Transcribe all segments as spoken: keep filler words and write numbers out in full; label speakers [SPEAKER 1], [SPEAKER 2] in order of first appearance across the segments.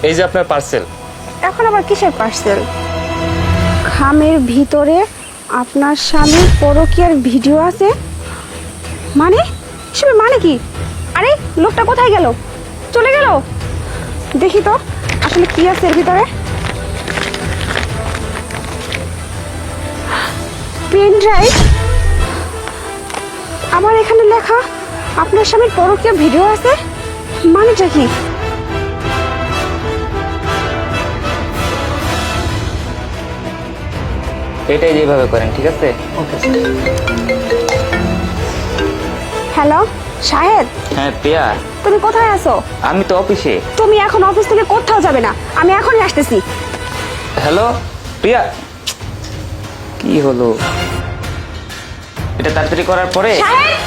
[SPEAKER 1] এই যে আপনার পার্সেল।
[SPEAKER 2] এখন আবার কিসের পার্সেল? খামের ভিতরে আপনার স্বামীর পরকীয়ার ভিডিও আছে মানে? এসব মানে কি? আরে লোকটা কোথায় গেল? চলে গেল? দেখি তো আসলে কি আছে এর ভিতরে। Pen drive. আমার এখানে লেখা আপনার স্বামীর পরকীয়া ভিডিও আছে, মানেটা কি?
[SPEAKER 3] এটাই যেভাবে করেন, ঠিক আছে?
[SPEAKER 2] হ্যালো শাহেদ,
[SPEAKER 3] হ্যাঁ প্রিয়া,
[SPEAKER 2] তুমি কোথায় আছো?
[SPEAKER 3] আমি তো অফিসে।
[SPEAKER 2] তুমি এখন অফিস থেকে কোথাও যাবে না, আমি এখনই আসতেছি।
[SPEAKER 3] হ্যালো প্রিয়া, কি হলো? এটা তাড়াতাড়ি করার পরে।
[SPEAKER 2] শাহেদ!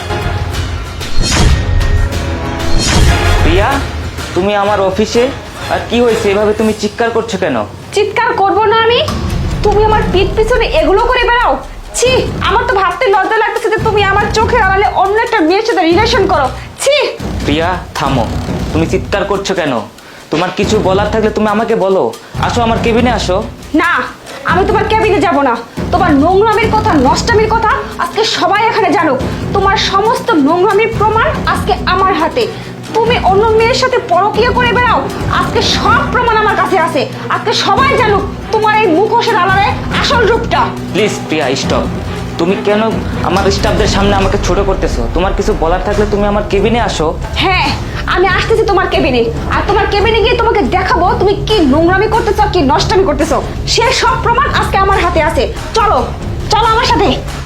[SPEAKER 3] প্রিয়া, তুমি আমার অফিসে, আর কি হয়েছে? এভাবে তুমি চিৎকার করছো কেন?
[SPEAKER 2] চিৎকার করবো না আমি? তুমি আমার পিঠ পিছনে এগুলো করে বেড়াও। ছি, আমার তো ভাবতে লজ্জা লাগতেছে যে তুমি আমার চোখের আড়ালে অন্য একটা মেয়ের সাথে রিলেশন করো। ছি।
[SPEAKER 3] প্রিয়া থামো, তুমি চিৎকার করছো কেন? তোমার কিছু বলার থাকলে তুমি আমাকে বলো। আসো আমার কেবিনে আসো।
[SPEAKER 2] না, আমি তোমার কেবিনে যাব না। তোমার নোংরামির কথা, নষ্টামির কথা আজকে সবাই এখানে জানুক। তোমার সমস্ত নোংরামির প্রমাণ আজকে আমার হাতে। তুমি অন্য মেয়ের সাথে পরকীয়া করে বেড়াও, আজকে সব প্রমাণ আমার কাছে আছে। আজকে সবাই জানুক তোমার এই মুখোশের আড়ালে আসল রূপটা।
[SPEAKER 3] Please Priya stop. তুমি কেন আমার স্টাফদের সামনে আমাকে ছোট করতেছো? তোমার কিছু বলার থাকলে তুমি আমার কেবিনে আসো।
[SPEAKER 2] হ্যাঁ, আমি আসতেছি তোমার কেবিনে, আর তোমার কেবিনে গিয়ে তোমাকে দেখাবো তুমি কি নোংরামি করতেছো, কি নষ্টামি করতেছো। সে সব প্রমাণ আজকে আমার হাতে আছে। চলো চলো আমার সাথে।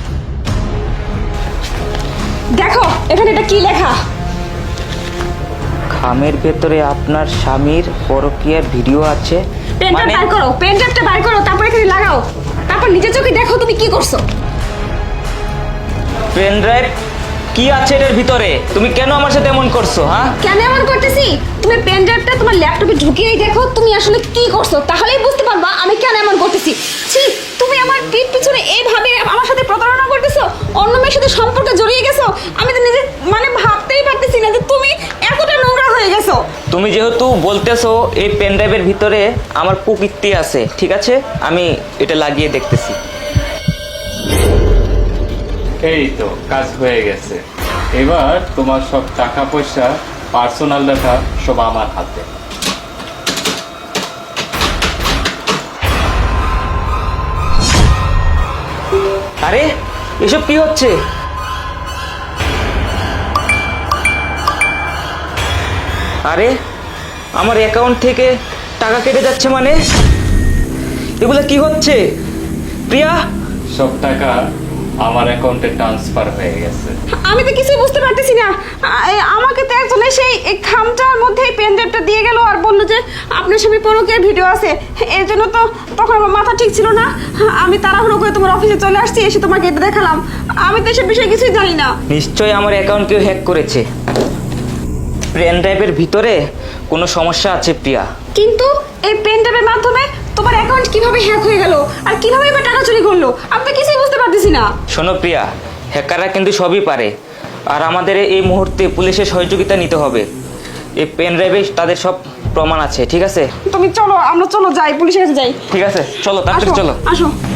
[SPEAKER 2] দেখো এখানে এটা কি লেখা।
[SPEAKER 3] খামের ভেতরে আপনার স্বামীর পরকীয়ার ভিডিও আছে।
[SPEAKER 2] পেনটা বার করো, পেনটা বার করো, তারপর এখানে লাগাও। তারপর নিজের চোখে দেখো তুমি কি করছো।
[SPEAKER 3] পেন ড্রাইভ কি আছে এর ভিতরে? তুমি কেন আমার সাথে এমন করছো? হ্যাঁ,
[SPEAKER 2] কেন এমন করতেছি? তুমি পেন ড্রাইভটা তোমার ল্যাপটপে ঢুকিয়েই দেখো তুমি আসলে কি করছো, তাহলেই বুঝতে পারবা আমি কেন এমন করতেছি। ছি, তুমি আমার পিঠ পিছনে এইভাবে আমার সাথে প্রতারণা করতেছো, অন্য মেয়ের সাথে সম্পর্কে জড়িয়ে গেছো। আমি তো নিজে মানে ভাবতেই পারতেছি না যে তুমি এতটা নোংরা হয়ে গেছো।
[SPEAKER 3] তুমি যেহেতু বলতেছো এই পেন ড্রাইভের ভিতরে আমার কুকীর্তি আছে, ঠিক আছে, আমি এটা লাগিয়ে দেখতেছি।
[SPEAKER 1] এই তো কাজ হয়ে গেছে। এবার তোমার সব টাকা পয়সা, পার্সোনাল ডাটা সব আমার হাতে।
[SPEAKER 3] আরে এসব কি হচ্ছে? আরে আমার অ্যাকাউন্ট থেকে টাকা কেটে যাচ্ছে মানে? এগুলো কি হচ্ছে? প্রিয়া,
[SPEAKER 1] সব টাকা আমার অ্যাকাউন্টে ট্রান্সফার হয়ে গেছে।
[SPEAKER 2] আমি তো কিছুই বুঝতে পারতেছি না। আ- এ- আমাকে তো একজন সেই এই খামটার মধ্যে পেন ড্রাইভটা দিয়ে গেল আর বললো যে আপনার সামনে পরকীয়ার ভিডিও আছে। এর জন্য তো তখন আমার মাথা ঠিক ছিল না। আমি তাড়াহুড়ো করে তোমার অফিসে চলে আসছি, এসে তোমাকে এটা দেখালাম। আমি তো এসব বিষয়ে কিছুই জানি না।
[SPEAKER 3] নিশ্চয়ই আমার অ্যাকাউন্ট কেউ হ্যাক করেছে। পেন ড্রাইভের ভিতরে কোনো সমস্যা আছে প্রিয়া।
[SPEAKER 2] কিন্তু এই পেন ড্রাইভের মাধ্যমে তোমার অ্যাকাউন্ট কিভাবে হ্যাক হয়ে গেল আর কিভাবে এবার টাকা চুরি করলো, আমি তো কিছুই বুঝতে পারতেছি না।
[SPEAKER 3] শোনো প্রিয়া, হ্যাকাররা কিন্তু সবই পারে, আর আমাদের এই মুহূর্তে পুলিশের সহযোগিতা নিতে হবে। এই পেন ড্রাইভে তাদের সব প্রমাণ আছে, ঠিক আছে?
[SPEAKER 2] তুমি চলো, আমরা চলো যাই, পুলিশের কাছে যাই।
[SPEAKER 3] ঠিক আছে, চলো তাড়াতাড়ি
[SPEAKER 2] আসো
[SPEAKER 3] চলো।
[SPEAKER 2] আসো।